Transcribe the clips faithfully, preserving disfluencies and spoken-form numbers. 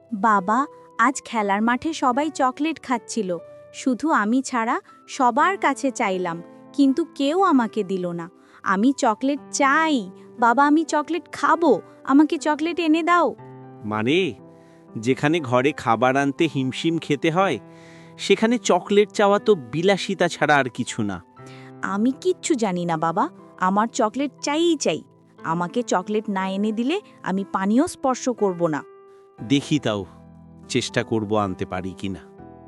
বাবা, আজ খেলার মাঠে সবাই চকলেট খাচ্ছিল, শুধু আমি ছাড়া। সবার কাছে চাইলাম, কিন্তু কেউ আমাকে দিল না। আমি চকলেট চাই বাবা, আমি চকলেট খাবো, আমাকে চকলেট এনে দাও। মানে যেখানে ঘরে খাবার আনতে হিমশিম খেতে হয়, সেখানে চকলেট চাওয়া তো বিলাসিতা ছাড়া আর কিছু না। আমি কিচ্ছু জানি না বাবা, আমার চকলেট চাইই চাই। আমাকে চকলেট না এনে দিলে আমি পানিও স্পর্শ করব না। দেখি তাও, চেষ্টা করব আনতে পারি কিনা।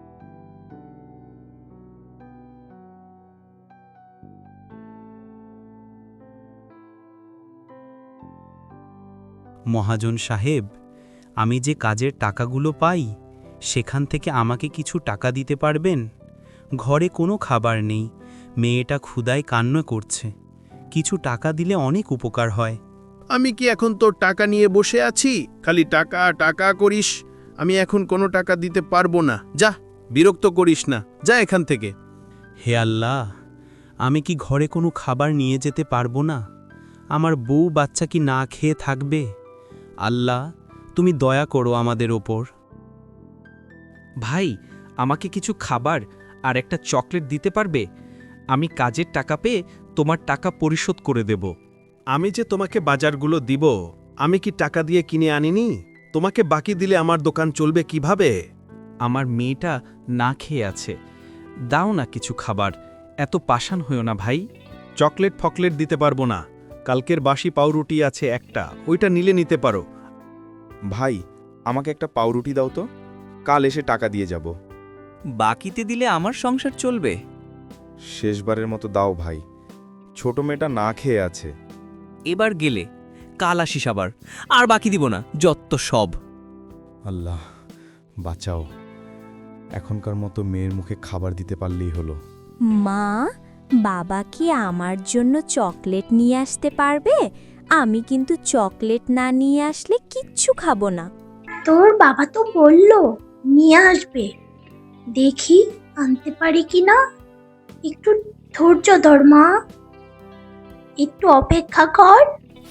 মহাজন সাহেব, আমি যে কাজের টাকাগুলো পাই সেখান থেকে আমাকে কিছু টাকা দিতে পারবেন? ঘরে কোনো খাবার নেই, মেয়েটা ক্ষুধায় কান্না করছে। কিছু টাকা দিলে অনেক উপকার হয়। আমি কি এখন তোর টাকা নিয়ে বসে আছি? খালি টাকা টাকা করিস। আমি এখন কোনো টাকা দিতে পারবো না। যা, বিরক্ত করিস না, যা এখান থেকে। হে আল্লাহ, আমি কি ঘরে কোনো খাবার নিয়ে যেতে পারবো না? আমার বউ বাচ্চা কি না খেয়ে থাকবে? আল্লাহ, তুমি দয়া করো আমাদের ওপর। ভাই, আমাকে কিছু খাবার আর একটা চকলেট দিতে পারবে? আমি কাজের টাকা পেয়ে তোমার টাকা পরিশোধ করে দেব। আমি যে তোমাকে বাজারগুলো দিব, আমি কি টাকা দিয়ে কিনে আনিনি? তোমাকে বাকি দিলে আমার দোকান চলবে কিভাবে? আমার মেয়েটা না খেয়ে আছে, দাও না কিছু খাবার। এত পাষাণ হইও না ভাই। চকলেট ফকলেট দিতে পারবো না। কালকের বাসি পাউরুটি আছে একটা, ওইটা নিলে নিতে পারো। ভাই, আমাকে একটা পাউরুটি দাও তো, কাল এসে টাকা দিয়ে যাব। বাকিতে দিলে আমার সংসার চলবে। শেষবারের মতো দাও ভাই, ছোট মেয়েটা না খেয়ে আছে। এবার গেলে কাল আসিস আবার, আর বাকি দিব না যত সব। আল্লাহ বাঁচাও, এখনকার মতো মেয়ের মুখে খাবার দিতে পারলেই হলো। মা, বাবা কি আমার জন্য চকলেট নিয়ে আসতে পারবে? আমি কিন্তু চকলেট না নিয়ে আসলে কিচ্ছু খাবো না। তোর বাবা তো বলল নিয়ে আসবে, দেখি আনতে পারি কিনা। একটু ধৈর্য ধর মা, একটু অপেক্ষা কর।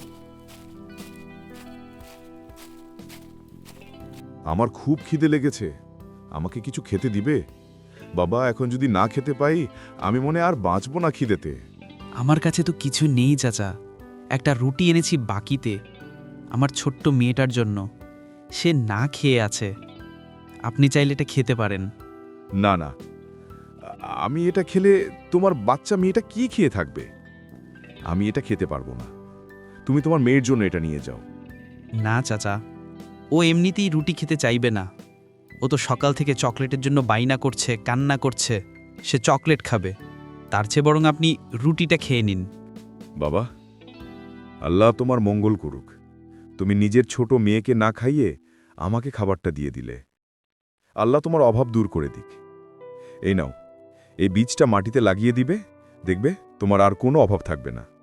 আমার খুব খিদে লেগেছে, আমাকে কিছু খেতে দিবে? বাবা, এখন যদি না খেতে পাই আমি মনে আর বাঁচব না খিদেতে। আমার কাছে তো কিছু নেই চাচা, একটা রুটি এনেছি বাকিতে, আমার ছোট্ট মেয়েটার জন্য। সে না খেয়ে আছে, আপনি চাইলে এটা খেতে পারেন। না না, আমি এটা খেলে তোমার বাচ্চা মেয়েটা কি খেয়ে থাকবে? আমি এটা খেতে পারবো না। তুমি তোমার মেয়ের জন্য এটা নিয়ে যাও। না চাচা, ও এমনিতেই রুটি খেতে চাইবে না। ও তো সকাল থেকে চকলেটের জন্য বাইনা করছে, কান্না করছে। সে চকলেট খাবে, তার চেয়ে বরং আপনি রুটিটা খেয়ে নিন। বাবা, আল্লাহ তোমার মঙ্গল করুক। তুমি নিজের ছোট মেয়েকে না খাইয়ে আমাকে খাবারটা দিয়ে দিলে। আল্লাহ তোমার অভাব দূর করে দিক। এই নাও, এই বীজটা মাটিতে লাগিয়ে দিবে, দেখবে তোমার আর কোনো অভাব থাকবে না।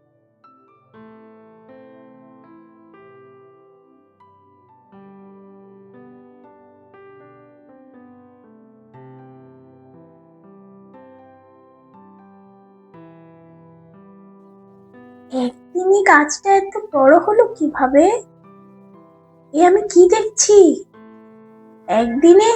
একদিনই গাছটা এত বড় হলো কিভাবে? এ আমি কি দেখছি? একদিনে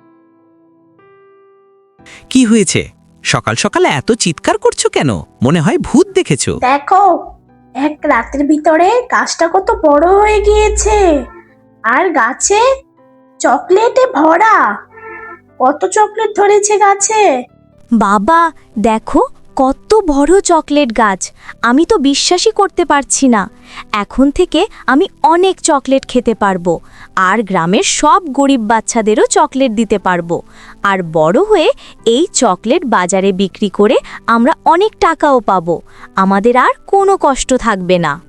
কি হয়েছে? সকাল সকাল এত চিৎকার করছো কেন? মনে হয় ভূত দেখেছো। দেখো, এক রাতের ভিতরে গাছটা কত বড় হয়ে গিয়েছে, আর গাছে চকলেটে ভরা। কত চকলেট ধরেছে গাছে। বাবা দেখো, কত বড় চকলেট গাছ! আমি তো বিশ্বাসই করতে পারছি না। এখন থেকে আমি অনেক চকলেট খেতে পারবো, আর গ্রামের সব গরিব বাচ্চাদেরও চকলেট দিতে পারবো। আর বড় হয়ে এই চকলেট বাজারে বিক্রি করে আমরা অনেক টাকাও পাবো। আমাদের আর কোনো কষ্ট থাকবে না।